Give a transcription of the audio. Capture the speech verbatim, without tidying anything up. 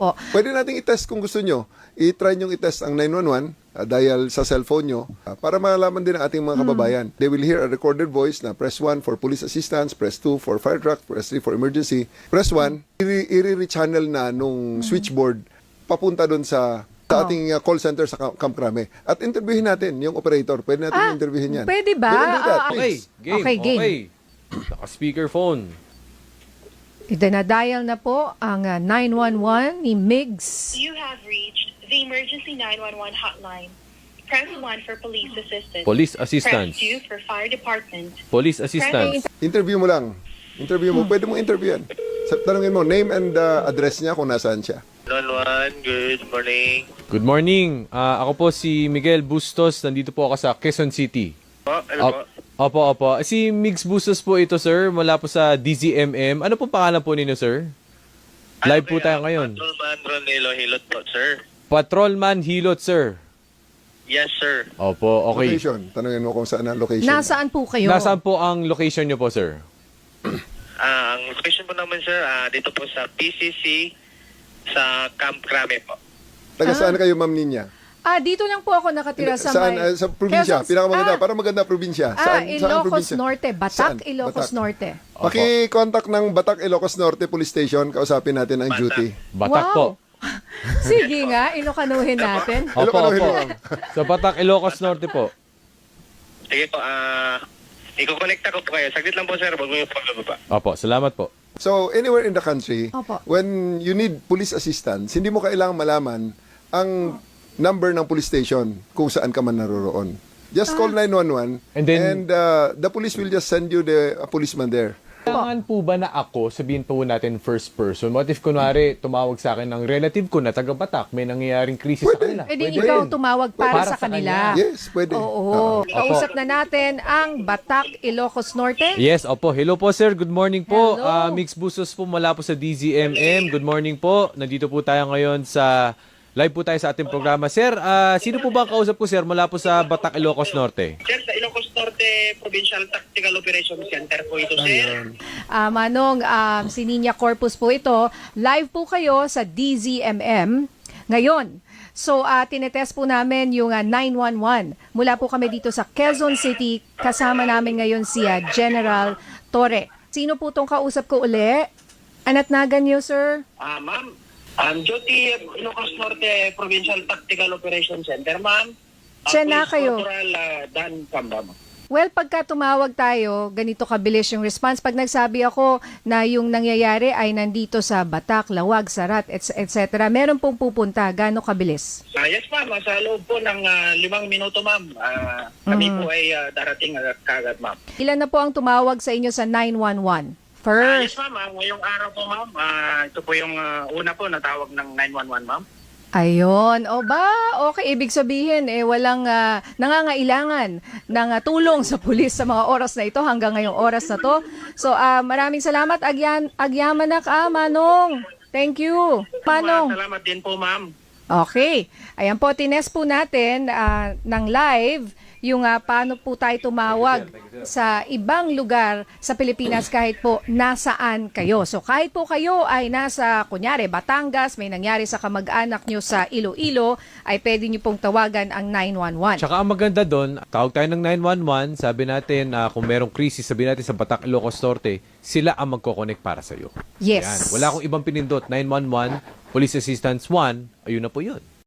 po. Pwede nating i-test kung gusto nyo. I-try nyo i-test ang nine one one uh, dial sa cellphone nyo uh, para malaman din ang ating mga kababayan. They will hear a recorded voice na press one for police assistance, press two for fire truck, press three for emergency. Press one, i-re-channel na nung switchboard papunta doon sa sa ating uh, call center sa Camp Camp Crame. At interviewin natin yung operator. Pwede natin Ah, interviewin yan. pwede ba? We can do that, Ah, Okay, please. game. Okay, game. Okay. Naka-speakerphone. Itinadial na po ang uh, nine one one ni Migs. You have reached the emergency nine one one hotline. Press one for police assistance. Police Press assistance. two for fire department. Police assistance. Interview mo lang. Interview mo. Pwede mo interview yan. Sa- Tanungin mo, name and uh, address niya kung nasaan siya. nine one one, good morning. Good morning. Ah, ako po si Miguel Bustos. Nandito po ako sa Quezon City. Po, ano po? Op- Opo, opo. Si Migs Bustos po ito, sir. Mula po sa D Z M M. Ano po pangalan po ninyo, sir? Live po tayo ngayon. Patrolman Ronelo Hilot po, sir. Patrolman Hilot, sir. Yes, sir. Opo, okay. Location. Tanungin mo kung saan ang location. Nasaan po kayo? Nasaan po ang location nyo po, sir? Ah, ang location po naman, sir, ah, dito po sa P C C sa Camp Crame po. Taga saan kayo, Ma'am Ninya? Ah, dito lang po ako nakatira sa Saan? may... Uh, sa probinsya. Quezon- Pinakamaganda. Ah, Para maganda probinsya. Ah, Saan, saan Ilocos probinsya? Norte. Batak, Saan? Ilocos Batak. Norte. Paki-contact ng Batak Ilocos Norte Police Station. Kausapin natin ang Batak. duty. Batak Wow. po. Sige nga, ilokanuhin natin. Opo, Ilocano, opo. Ilocano. Sa Batak, Ilocos Norte po. Sige po, ah, iko-connecta ko po kayo. Saglit lang po, sir. Bago yung pagbaba. Opo, salamat po. So, anywhere in the country, Opo. when you need police assistance, hindi mo kailangang malaman ang number ng police station kung saan ka man naroroon. Just call nine one one And then- uh, the police will just send you the a policeman there. Kailangan po ba na ako, sabihin po natin first person, what if kunwari tumawag sa akin ng relative ko na taga Batak, may nangyayaring krisis sa kanila? E di Pwede ikaw rin. tumawag para, Para sa sa kanila. kanya. Yes, pwede. Oo. Oo. Kausap na natin ang Batak, Ilocos Norte. Yes, opo. Hello po, sir. Good morning po. Hello. Ah, Mix Busos po mula po sa D Z M M. Good morning po. Nandito po tayo ngayon sa live po tayo sa ating programa. Sir, ah, sino po ba ang kausap ko, sir, mula po sa Batak, Ilocos Norte? Sir, sa Ilocos Norte Provincial Tactical Operations Center po ito, sir. Ah, Manong, um, si Ninya Corpus po ito. Live po kayo sa D Z M M ngayon. So, uh, tinetest po namin yung uh, nine one one. Mula po kami dito sa Quezon City. Kasama namin ngayon si uh, General Torre. Sino po tong kausap ko uli? Anatnagan niyo, sir? Ah, ma'am. Um, duty Ilocos Norte Provincial Tactical Operations Center, ma'am. Ah, Siya na Police kayo. Corporal ah, Dan Camba, ma'am. Well, pagka tumawag tayo, ganito kabilis yung response. Pag nagsabi ako na yung nangyayari ay nandito sa Batak, Lawag, Sarat, et cetera, meron pong pupunta. Gaano kabilis? Ah, yes, ma'am. Ah, Sa loob po ng ah, limang minuto, ma'am. Ah, kami po ay ah, darating agad kagad, ma'am. Ilan na po ang tumawag sa inyo sa nine one one? Ah, yes, First. ma'am. Ah, ngayong araw po, ma'am. Ah, ito po yung ah, una po na tawag ng nine one one, ma'am. Ayun. O ba, okay. Ibig sabihin, eh, walang ah, nangangailangan ng ah, tulong sa pulis sa mga oras na ito hanggang ngayong oras na to. So, ah, maraming salamat, Agyan, Agyamanak, ah, Manong. Thank you. Ah, Manong. salamat din po, ma'am. Okay. Ayan po, tinest po natin ah, ng live yung ah, paano po tayo tumawag sa ibang lugar sa Pilipinas kahit po nasaan kayo. So kahit po kayo ay nasa, kunyari, Batangas, may nangyari sa kamag-anak nyo sa Iloilo, ay pwede nyo pong tawagan ang nine one one. Tsaka ang maganda doon, tawag tayo ng nine one one, sabi natin na kung merong krisis, sabi natin sa Batak, Ilocos Norte, sila ang magkoconnect para sa'yo. Yes. Yan. Wala akong ibang pinindot. nine one one, Police Assistance one, ayun na po yun.